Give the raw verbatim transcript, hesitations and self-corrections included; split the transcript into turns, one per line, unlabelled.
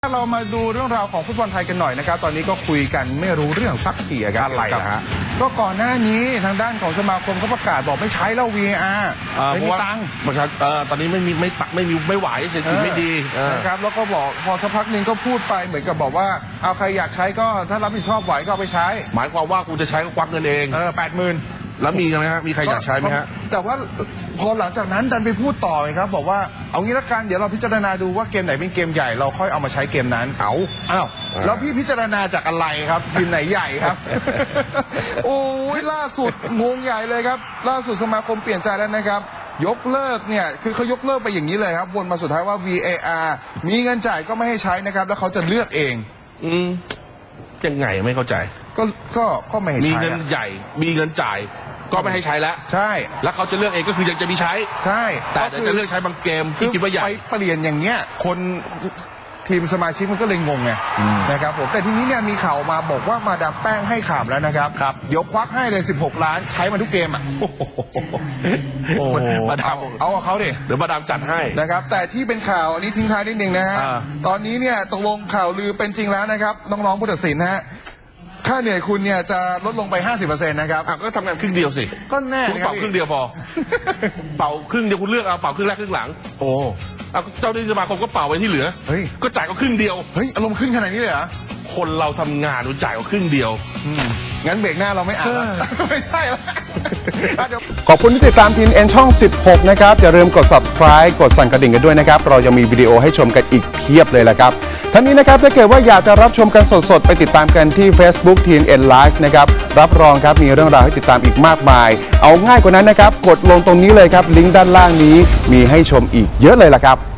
เรามาดูเรื่องราวของฟุตบอลไทยกันหน่อยนะครับตอนนี้ก็คุยกันไม่รู้เรื่องสักทีครับอะไรนะฮะก็ก่อนหน้านี้ทางด้านของสมาคมเขาประกาศบอกไม่ใช้แล้ว วี เอ อาร์ ไม่มีตังค์
ตอนนี้ไม่มีไม่ตักไม่มีไม่ไหวเศรษฐกิจไม่ดี
นะครับแล้วก็บอกพอสักพักหนึ่งก็พูดไปเหมือนกับบอกว่าเอาใครอยากใช้ก็ถ้ารับผิดชอบไหวก็เอาไปใช้
หมายความว่ากูจะใช้ก็ควักเงินเอง
เออแปดหมื่น
แล้วมีไหมฮะมีใครอยากใช้ไหมฮะ
แต่ว่าพอหลังจากนั้นดันไปพูดต่อครับบอกว่าเอางี้ละกันเดี๋ยวเราพิจารณาดูว่าเกมไหนเป็นเกมใหญ่เราค่อยเอามาใช้เกมนั้น
เอา
อ้าวแล้วพี่พิจารณาจากอะไรครับทีมไหนใหญ่ครับ โอ้ยล่าสุดงงใหญ่เลยครับล่าสุดสมาคมเปลี่ยนใจแล้วนะครับยกเลิกเนี่ยคือเขายกเลิกไปอย่างนี้เลยครับวนมาสุดท้ายว่า วี เอ อาร์ มีเงินจ่ายก็ไม่ให้ใช้นะครับแล้วเขาจะเลือกเอง
อืมยังไงไม่เข้าใจ
ก็ก็ก็ไม่ให้ใช้
มีเงินใหญ่มีเงินจ่ายก็ไม่ให้ใช้แล้ว
ใช่
แล้วเขาจะเลือกเองก็คือยังจะมีใช้
ใช่
แต่จะเลือกใช้บางเกมที่คิดว่าใหญ่
ไปเปลี่ยนอย่างเงี้ยคนทีมสมาชิกมันก็เลยงงไงนะครับผมแต่ทีนี้เนี่ยมีข่าวมาบอกว่ามาดามแป้งให้ข่าวแล้วนะครับ
ครับ
เดี๋ยวควักให้เลยสิบหกล้านใช้มาทุกเกมอ่ะโอ้
มาดาม
เอาเอาเขาดิ
เดี๋ยวมาดามจัดให้
นะครับแต่ที่เป็นข่าวอันนี้ทิ้งท้ายนิดนึงนะฮะตอนนี้เนี่ยตกลงข่าวลือเป็นจริงแล้วนะครับน้องๆผู้ตัดสินนะฮะค่าเหนื่อยคุณเนี่ยจะลดลงไป ห้าสิบเปอร์เซ็นต์ นะครับ
ก็ทำงานครึ่งเดียวสิ
ก็แน่
คุณเป่าครึ่งเดียวพอเป่าครึ่งเดียวคุณเลือกเอาเป่าครึ่งแรกครึ่งหลัง
โอ้
เจ้าหน้าที่สมาคมก็เป่าไว้ที่เหลือ
เฮ้ย
ก็จ่ายก็ครึ่งเดียว
เฮ้ยอารมณ์ขึ้นขนาดนี้เลยเหรอ
คนเราทำงานจ่ายก็ครึ่งเดียว
งั้นเบรกหน้าเราไม่อ่านไม่ใช่แล้ว
ขอบคุณที่ติดตามที เอ็น ช่องสิบหกนะครับอย่าลืมกด ซับสไครบ์ กดสั่นกระดิ่งกันด้วยนะครับเรายังมีวิดีโอให้ชมกันอีกเพียบเลยละครับทั้งนี้นะครับถ้าเกิดว่าอยากจะรับชมกันสดๆไปติดตามกันที่ Facebook ที เอ็น Live นะครับรับรองครับมีเรื่องราวให้ติดตามอีกมากมายเอาง่ายกว่านั้นนะครับกดลงตรงนี้เลยครับลิงก์ด้านล่างนี้มีให้ชมอีกเยอะเลยละครับ